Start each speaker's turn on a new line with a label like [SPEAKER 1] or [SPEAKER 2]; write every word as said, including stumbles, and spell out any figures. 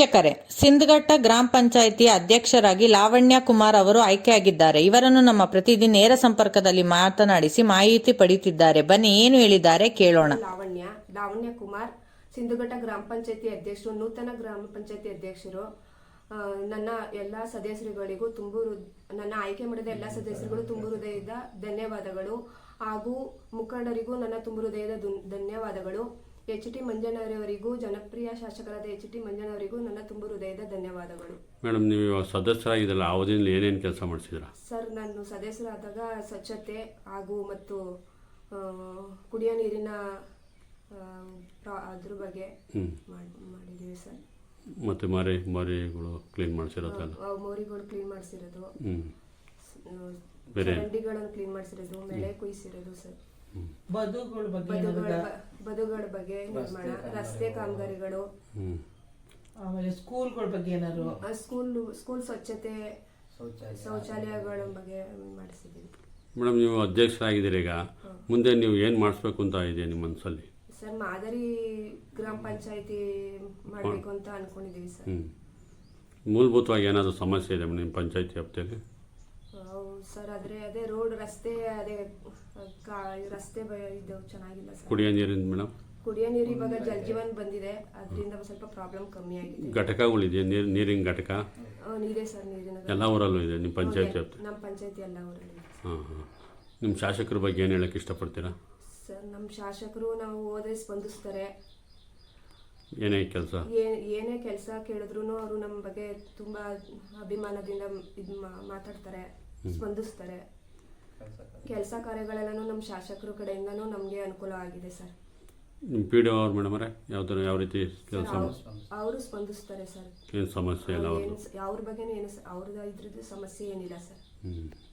[SPEAKER 1] ವೀಕ್ಷಕರೇ, ಸಿಂದಘಟ್ಟ ಗ್ರಾಮ ಪಂಚಾಯಿತಿ ಅಧ್ಯಕ್ಷರಾಗಿ ಲಾವಣ್ಯ ಕುಮಾರ್ ಅವರು ಆಯ್ಕೆಯಾಗಿದ್ದಾರೆ. ಇವರನ್ನು ನಮ್ಮ ಪ್ರತಿದಿನ ನೇರ ಸಂಪರ್ಕದಲ್ಲಿ ಮಾತನಾಡಿಸಿ ಮಾಹಿತಿ ಪಡೆಯುತ್ತಿದ್ದಾರೆ. ಬನ್ನಿ, ಏನು ಹೇಳಿದ್ದಾರೆ ಕೇಳೋಣ.
[SPEAKER 2] ಲಾವಣ್ಯ ಲಾವಣ್ಯ ಕುಮಾರ್, ಸಿಂದಘಟ್ಟ ಗ್ರಾಮ ಪಂಚಾಯಿತಿ ಅಧ್ಯಕ್ಷರು, ನೂತನ ಗ್ರಾಮ ಪಂಚಾಯಿತಿ ಅಧ್ಯಕ್ಷರು. ನನ್ನ ಎಲ್ಲ ಸದಸ್ಯರುಗಳಿಗೂ ತುಂಬು ನನ್ನ ಆಯ್ಕೆ ಮಾಡಿದ ಎಲ್ಲ ಸದಸ್ಯರುಗಳು ತುಂಬು ಹೃದಯದ ಧನ್ಯವಾದಗಳು. ಹಾಗೂ ಮುಖಂಡರಿಗೂ ನನ್ನ ತುಂಬು ಹೃದಯದ ಧನ್ಯವಾದಗಳು. ಎಚ್ ಟಿ ಮಂಜಣ್ಣವರಿಗೂ, ಜನಪ್ರಿಯ ಶಾಸಕರಾದ ಎಚ್ ಟಿ ಮಂಜಣ್ಣವರಿಗೂ ನನ್ನ ತುಂಬು ಹೃದಯದ ಧನ್ಯವಾದಗಳು.
[SPEAKER 3] ಮೇಡಮ್, ನೀವು ಸದಸ್ಯರಾಗಿದ್ದಲ್ಲ, ಅವಧಿಯಲ್ಲಿ ಏನೇನು ಕೆಲಸ ಮಾಡಿಸಿದ್ರ?
[SPEAKER 2] ಸರ್, ನಾನು ಸದಸ್ಯರಾದಾಗ ಸ್ವಚ್ಛತೆ ಹಾಗೂ ಮತ್ತು ಕುಡಿಯೋ ನೀರಿನ ಅದ್ರ ಬಗ್ಗೆ ಮಾಡಿದ್ದೀವಿ ಸರ್.
[SPEAKER 3] ಮತ್ತೆ ಮಾರಿ ಮಾರಿಗಳು ಕ್ಲೀನ್ ಮಾಡಿಸಿರೋದಲ್ಲ?
[SPEAKER 2] ಮೋರಿಗಳು ಕ್ಲೀನ್ ಮಾಡಿಸಿರೋದು, ಚರಂಡಿಗಳನ್ನು ಕ್ಲೀನ್ ಮಾಡಿಸಿರೋದು, ಮಳೆ ಕುಯ್ಸಿರೋದು ಸರ್.
[SPEAKER 4] ಬದುಗಳ ಬಗ್ಗೆ
[SPEAKER 2] ಬದುಗಳ ಬಗ್ಗೆ ನಿರ್ಮಾಣ, ರಸ್ತೆ ಕಾಮಗಾರಿಗಳು,
[SPEAKER 4] ಆಮೇಲೆ ಸ್ಕೂಲ್ಗಳ ಬಗ್ಗೆ ಏನಾದ್ರು
[SPEAKER 2] ಸ್ಕೂಲ್ ಸ್ಕೂಲ್ ಸ್ವಚ್ಛತೆ, ಶೌಚಾಲಯಗಳ ಬಗ್ಗೆ ಮಾಡಿಸಿದ್ದೀವಿ.
[SPEAKER 3] ಮೇಡಮ್, ನೀವು ಅಧ್ಯಕ್ಷರಾಗಿದ್ದೀರಿ, ಈಗ ಮುಂದೆ ನೀವು ಏನು ಮಾಡಿಸ್ಬೇಕು ಅಂತ ಇದೆ ನಿಮ್ಮ ಮನಸ್ಸಲ್ಲಿ?
[SPEAKER 2] ಸರ್, ಮಾದರಿ ಗ್ರಾಮ ಪಂಚಾಯಿತಿ ಮಾಡಬೇಕು ಅಂತ ಅನ್ಕೊಂಡಿದ್ದೀವಿ ಸರ್.
[SPEAKER 3] ಮೂಲಭೂತವಾಗಿ ಏನಾದರೂ ಸಮಸ್ಯೆ ಇದೆ ನಿಮ್ಮ ಪಂಚಾಯಿತಿ ವ್ಯಾಪ್ತಿಯಲ್ಲಿ?
[SPEAKER 2] ಸರ್, ಆದ್ರೆ ಅದೇ ರೋಡ್, ರಸ್ತೆ, ಅದೇ ರಸ್ತೆ ಇದು ಚೆನ್ನಾಗಿಲ್ಲ ಸರ್.
[SPEAKER 3] ಕುಡಿಯೋ ನೀರಿನ ಮೇಡಮ್?
[SPEAKER 2] ಕುಡಿಯೋ ನೀರು ಇವಾಗ ಜಲ್ ಜೀವನ್ ಬಂದಿದೆ, ಅದರಿಂದ ಸ್ವಲ್ಪ ಪ್ರಾಬ್ಲಮ್ ಕಮ್ಮಿ ಆಗಿದೆ.
[SPEAKER 3] ಘಟಕಗಳಿದೆಯಾ? ನೀರು ನೀರಿನ ಘಟಕ
[SPEAKER 2] ನೀರೇ ಸರ್, ನೀರಿನ
[SPEAKER 3] ಎಲ್ಲ ಊರಲ್ಲೂ ಇದೆ ನಿಮ್ಮ ಪಂಚಾಯತಿ ವ್ಯಾಪ್ತಿ?
[SPEAKER 2] ನಮ್ಮ ಪಂಚಾಯತಿ ಎಲ್ಲ ಊರಲ್ಲಿ.
[SPEAKER 3] ಹಾಂ ಹಾಂ ನಿಮ್ಮ ಶಾಸಕರ ಬಗ್ಗೆ ಏನು ಹೇಳಕ್ಕೆ ಇಷ್ಟಪಡ್ತೀರಾ?
[SPEAKER 2] ಸರ್, ನಮ್ಮ ಶಾಸಕರು ನಾವು ಹೋದ್ರೆ ಸ್ಪಂದಿಸ್ತಾರೆ.
[SPEAKER 3] ಏನೇ ಕೆಲಸ
[SPEAKER 2] ಏನೇ ಕೆಲಸ ಕೇಳಿದ್ರು ಅವರು ನಮ್ಮ ಬಗ್ಗೆ ತುಂಬಾ ಅಭಿಮಾನದಿಂದ ಇದು ಮಾತಾಡ್ತಾರೆ, ಸ್ಪಂದಿಸ್ತಾರೆ. ಕೆಲಸ ಕಾರ್ಯಗಳೆಲ್ಲನೂ ನಮ್ಮ ಶಾಸಕರ ಕಡೆಯಿಂದನೂ ನಮಗೆ ಅನುಕೂಲ ಆಗಿದೆ ಸರ್.
[SPEAKER 3] ನಿಮ್ಮ ಪಿ ಡಿ ಒ ಅವ್ರು ಮೇಡಮ್ ಅವರೇ ಯಾವ ಥರ ಯಾವ ರೀತಿ ಕೆಲಸ?
[SPEAKER 2] ಅವರು ಸ್ಪಂದಿಸ್ತಾರೆ ಸರ್.
[SPEAKER 3] ಏನು ಸಮಸ್ಯೆ ಇಲ್ಲ?
[SPEAKER 2] ಅವ್ರ ಬಗ್ಗೆನೂ ಏನು ಅವ್ರದ್ದು ಇದ್ರದ್ದು ಸಮಸ್ಯೆ ಏನಿಲ್ಲ ಸರ್.
[SPEAKER 3] ಹ್ಞೂ